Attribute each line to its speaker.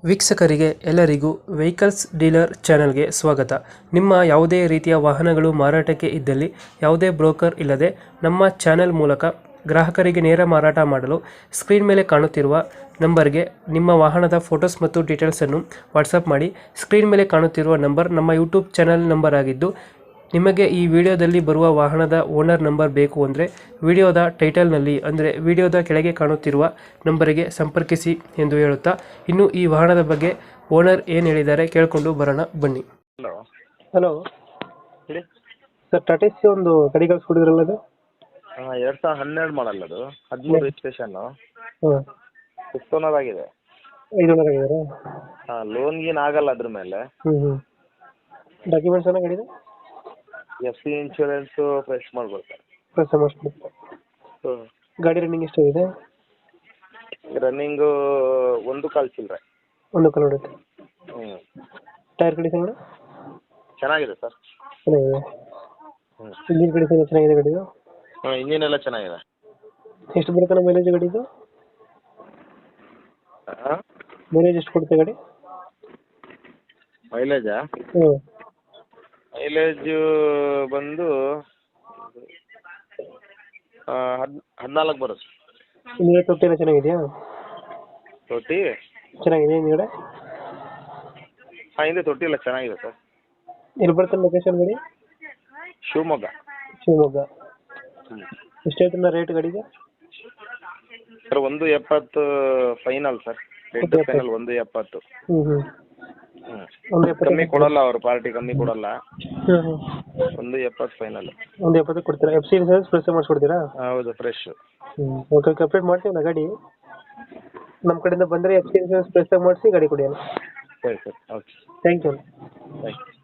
Speaker 1: ವೀಕ್ಷಕರಿಗೆ ಎಲ್ಲರಿಗೂ vehicles dealer ಚಾನೆಲ್ಗೆ ಸ್ವಾಗತ. ನಿಮ್ಮ ಯಾವುದೇ ರೀತಿಯ ವಾಹನಗಳು ಮಾರಾಟಕ್ಕೆ ಇದ್ದಲ್ಲಿ ಯಾವುದೇ ಬ್ರೋಕರ್ ಇಲ್ಲದೆ ನಮ್ಮ ಚಾನೆಲ್ ಮೂಲಕ ಗ್ರಾಹಕರಿಗೆ ನೇರ ಮಾರಾಟ ಮಾಡಲು ಸ್ಕ್ರೀನ್ ಮೇಲೆ ಕಾಣುತ್ತಿರುವ ನಂಬರ್ಗೆ ನಿಮ್ಮ ವಾಹನದ ಫೋಟೋಸ್ ಮತ್ತು ಡೀಟೇಲ್ಸನ್ನು ವಾಟ್ಸಪ್ ಮಾಡಿ. ಸ್ಕ್ರೀನ್ ಮೇಲೆ ಕಾಣುತ್ತಿರುವ ನಂಬರ್ ನಮ್ಮ ಯೂಟ್ಯೂಬ್ ಚಾನೆಲ್ ನಂಬರ್ ಆಗಿದ್ದು, ನಿಮಗೆ ಈ ವಿಡಿಯೋದಲ್ಲಿ ಬರುವ ವಾಹನದ ಓನರ್ ನಂಬರ್ ಬೇಕು ಅಂದರೆ ವಿಡಿಯೋದ ಟೈಟಲ್ನಲ್ಲಿ ಅಂದರೆ ವಿಡಿಯೋದ ಕೆಳಗೆ ಕಾಣುತ್ತಿರುವ ನಂಬರಿಗೆ ಸಂಪರ್ಕಿಸಿ ಎಂದು ಹೇಳುತ್ತಾ, ಇನ್ನು ಈ ವಾಹನದ ಬಗ್ಗೆ ಓನರ್ ಏನು ಹೇಳಿದ್ದಾರೆ ಕೇಳಿಕೊಂಡು ಬರೋಣ ಬನ್ನಿ.
Speaker 2: ಹಲೋ.
Speaker 1: ಹಲೋ
Speaker 2: ಹೇಳಿ.
Speaker 1: ಸರ್, ಟಾಟಾ ಸಿ ಒಂದು ಗಾಡಿ ಕಳಿಸ್ಕೊಡಿದ್ರಲ್ಲ ಅದು?
Speaker 2: 2012 ಮಾಡಲ್ ಅದು, 13 ರಿಜಿಸ್ಟ್ರೇಷನ್,
Speaker 1: ಹಾಂ,
Speaker 2: ಫಿಫ್ತ್ ಓನರ್ ಆಗಿದೆ.
Speaker 1: 5 ಆಗಿದ್ದಾರೆ.
Speaker 2: ಲೋನ್ ಗೀನ್ ಆಗಲ್ಲ ಅದ್ರ ಮೇಲೆ.
Speaker 1: ಡಾಕ್ಯುಮೆಂಟ್ಸ್ ಎಲ್ಲ ಗಾಡಿದು?
Speaker 2: FC ಇನ್ಶೂರೆನ್ಸು ಫ್ರೆಶ್ ಮಾಡ್ಕೊಡ್ತಾರೆ.
Speaker 1: ಗಾಡಿ ರನ್ನಿಂಗ್ ಎಷ್ಟಾಗಿದೆ?
Speaker 2: ರನ್ನಿಂಗು 1 ಕಾಲ್ ಚಿಲ್ಲರೆ.
Speaker 1: 1 ಕಾಲ್ ಹೊಡೆಯುತ್ತೆ. ಟೈರ್ ಕಂಡೀಷನ್
Speaker 2: ಚೆನ್ನಾಗಿದೆ ಸರ್.
Speaker 1: ಚೆನ್ನಾಗಿದೆ. ಇಂಜಿನ್ ಕಂಡೀಷನ್ ಚೆನ್ನಾಗಿದೆ ಗಾಡಿದು?
Speaker 2: ಇಂಜಿನ್ ಎಲ್ಲ ಚೆನ್ನಾಗಿದೆ.
Speaker 1: ಎಷ್ಟು ಬರುತ್ತೆ ನಮ್ಮ ಮೈಲೇಜ್ ಗಾಡಿದು? ಮೈಲೇಜ್ ಎಷ್ಟು ಕೊಡುತ್ತೆ ಗಾಡಿ?
Speaker 2: ಮೈಲೇಜಾ? ಮೈಲೇಜು ಬಂದು 14 ಬರುತ್ತೆ.
Speaker 1: ಹಿಂದ್ಗಡೆ ತೊಟ್ಟಿ ಎಲ್ಲ ಚೆನ್ನಾಗಿದೆಯಾ?
Speaker 2: ತೊಟ್ಟಿ
Speaker 1: ಚೆನ್ನಾಗಿದೆ ಹಿಂದ್ಗಡೆ?
Speaker 2: ಹಿಂದೆ ತೊಟ್ಟಿ ಎಲ್ಲ ಚೆನ್ನಾಗಿದೆ ಸರ್.
Speaker 1: ಎಲ್ಲಿ ಬರುತ್ತೆ ಲೊಕೇಶನ್ ಗಾಡಿ?
Speaker 2: ಶಿವಮೊಗ್ಗ.
Speaker 1: ಎಷ್ಟು ಹೇಳ್ತೀರ ರೇಟ್ ಗಾಡಿಗೆ?
Speaker 2: Sir 170 final sir. Rate final 170. ಕಮ್ಮಿ ಕೊಡಲ್ಲ ಅವರು, ಪಾರ್ಟಿ ಕಮ್ಮಿ ಕೊಡಲ್ಲ. 170 ಫೈನಲ್.
Speaker 1: 170 ಕೊಡ್ತೀರಾ? FC ಇನ್ಸೂರೆನ್ಸ್ ಫ್ರೆಶ್ ಮಾಡಿಸ್ಕೊಡ್ತೀರಾ?
Speaker 2: ಹೌದು, ಫ್ರೆಶ್.
Speaker 1: ಓಕೆ, ಕಂಪ್ಲೀಟ್ ಮಾಡ್ತೀವಿ ಗಾಡಿ. ನಮ್ಮ ಕಡೆಯಿಂದ ಬಂದರೆ FC ಇನ್ಸೂರೆನ್ಸ್ ಫ್ರೆಶ್ ಮಾಡಿಸಿ ಗಾಡಿ ಕೊಡಿ.
Speaker 2: ಸರಿ sir, okay.
Speaker 1: Thank you.
Speaker 2: Thank you.